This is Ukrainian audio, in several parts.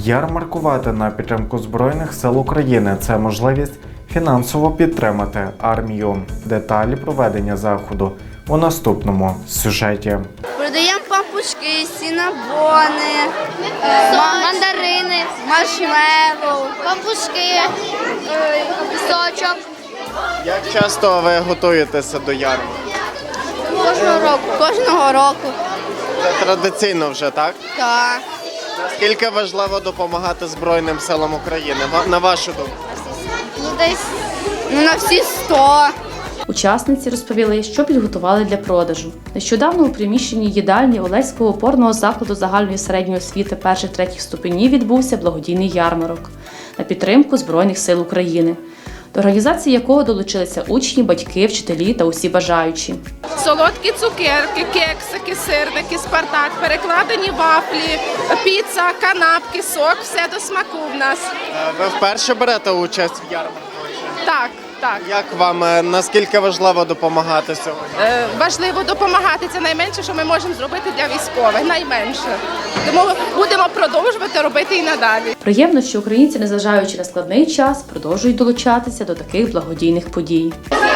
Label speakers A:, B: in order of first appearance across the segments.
A: Ярмаркувати на підтримку Збройних сил України – це можливість фінансово підтримати армію. Деталі проведення заходу у наступному сюжеті.
B: Продаємо пампушки, сінабони, мандарини, маршмеллоу, пампушки, сочок.
C: Як часто ви готуєтеся до ярмарку?
B: Кожного року.
C: Це традиційно вже, так?
B: Так.
C: Наскільки важливо допомагати Збройним силам України, на вашу думку?
B: Десь на всі 100.
D: Учасниці розповіли, що підготували для продажу. Нещодавно у приміщенні їдальні Олеського опорного закладу загальної середньої освіти перших-третіх ступенів відбувся благодійний ярмарок на підтримку Збройних сил України, до організації якого долучилися учні, батьки, вчителі та усі бажаючі.
E: Солодкі цукерки, кексики, сирники, спартак, перекладені вафлі, піца, канапки, сок – все до смаку в нас.
C: Ви вперше берете участь в ярмарку?
E: Так.
C: Як вам, наскільки важливо допомагати сьогодні?
E: Важливо допомагати. Це найменше, що ми можемо зробити для військових. Найменше. Тому будемо продовжувати робити і надалі.
D: Приємно, що українці, незважаючи на складний час, продовжують долучатися до таких благодійних подій.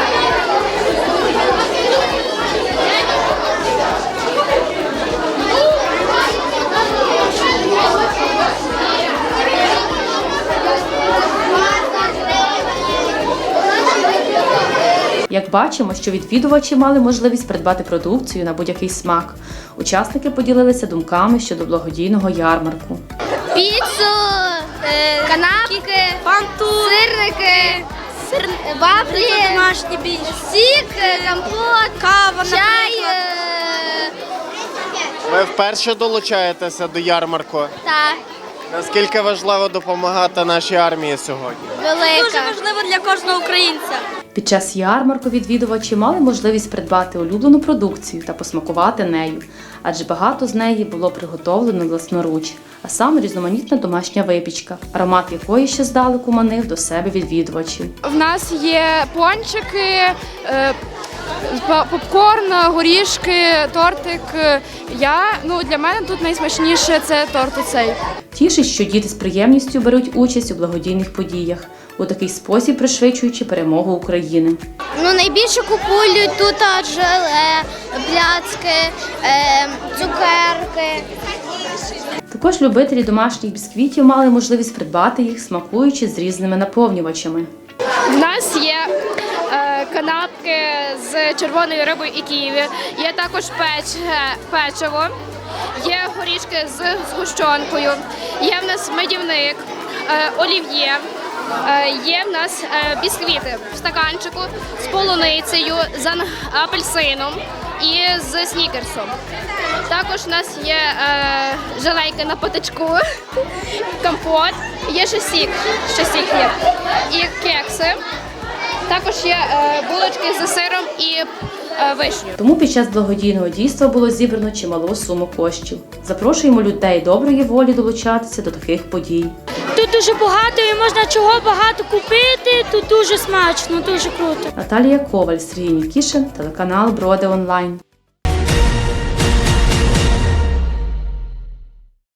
D: Як бачимо, що відвідувачі мали можливість придбати продукцію на будь-який смак. Учасники поділилися думками щодо благодійного ярмарку.
B: Піцу, канапки, сирники, вафлі, домашні більш, сік, компот, кава, чай.
C: Ви вперше долучаєтеся до ярмарку?
B: Так,
C: Наскільки важливо допомагати нашій армії сьогодні?
B: велика. Дуже важливо для кожного українця.
D: Під час ярмарку відвідувачі мали можливість придбати улюблену продукцію та посмакувати нею, адже багато з неї було приготовлено власноруч, а саме різноманітна домашня випічка, аромат якої ще здалеку манив до себе відвідувачів.
F: В нас є пончики, попкорн, горішки, тортик. Для мене тут найсмачніше це торт оцей.
D: Тішить, що діти з приємністю беруть участь у благодійних подіях, у такий спосіб пришвидшуючи перемогу України.
B: Найбільше купують тут желе, пляцки, цукерки.
D: Також любителі домашніх бісквітів мали можливість придбати їх, смакуючи з різними наповнювачами.
F: В нас є канапки з червоною рибою і ківі, є також печиво, є горішки з згущенкою, є в нас медівник, олів'є, є в нас бісквіти в стаканчику з полуницею, з апельсином і з снікерсом. Також у нас є желейки на патичку, компот, є ще сік є, і кекси. Також є булочки з сиром і вишню.
D: Тому під час благодійного дійства було зібрано чималу суму коштів. Запрошуємо людей доброї волі долучатися до таких подій.
G: Тут дуже багато і можна чого багато купити, тут дуже смачно, дуже круто.
D: Наталія Коваль, Сергій Нікішин, телеканал Броди Онлайн.